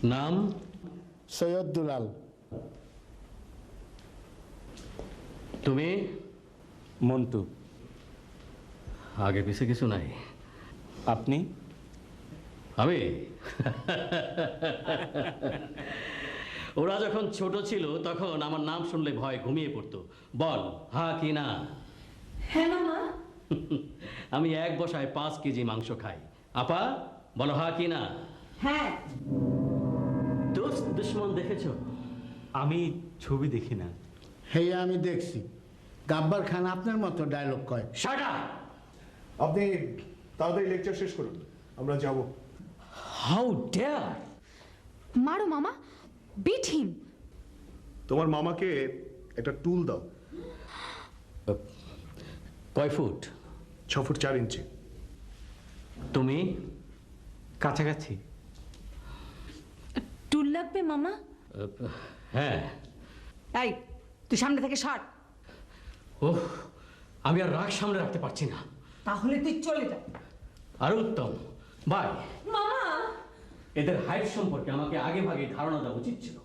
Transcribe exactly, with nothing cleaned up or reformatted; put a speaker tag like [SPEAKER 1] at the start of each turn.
[SPEAKER 1] নাম?
[SPEAKER 2] সৈয়দ দুলাল।
[SPEAKER 1] তুমি?
[SPEAKER 3] মন্টু।
[SPEAKER 1] আগে পিছে কিছু নাই।
[SPEAKER 3] আপনি?
[SPEAKER 1] আমি ওরা যখন ছোট ছিল তখন আমার নাম শুনলে ভয় ঘুমিয়ে পড়তো। বল হ্যাঁ কি না?
[SPEAKER 4] হ্যাঁ মামা।
[SPEAKER 1] আমি এক বসায় পাঁচ কেজি মাংস খাই। আপা বলো হ্যাঁ কি না?
[SPEAKER 4] হ্যাঁ।
[SPEAKER 1] দোস্ত দুশ্মন দেখেছো?
[SPEAKER 3] আমি ছবি দেখি না।
[SPEAKER 2] হেয়া আমি দেখছি, গাব্বার খান আপনার মতো ডায়লগ কয়।
[SPEAKER 1] Shut up!
[SPEAKER 5] আপনি তাড়াতাড়ি লেকচার শেষ করুন, আমরা যাব।
[SPEAKER 1] How dare!
[SPEAKER 4] মারো মামা, বিট হিম।
[SPEAKER 5] তোমার মামাকে একটা টুল দাও।
[SPEAKER 1] কয় ফুট?
[SPEAKER 5] ছ ফুট চার ইঞ্চি।
[SPEAKER 1] তুমি?
[SPEAKER 3] কাছাকাছি।
[SPEAKER 4] টুল লাগবে মামা?
[SPEAKER 1] হ্যাঁ।
[SPEAKER 4] এই তুই সামনে থেকে সর।
[SPEAKER 1] ওহ, আমি আর রাগ সামনে রাখতে পারছি না।
[SPEAKER 4] তাহলে তুই চলে যা।
[SPEAKER 1] আর উত্তম বাই।
[SPEAKER 4] মামা
[SPEAKER 1] এদের হাইট সম্পর্কে আমাকে আগে ভাগে ধারণা দেওয়া উচিত ছিল।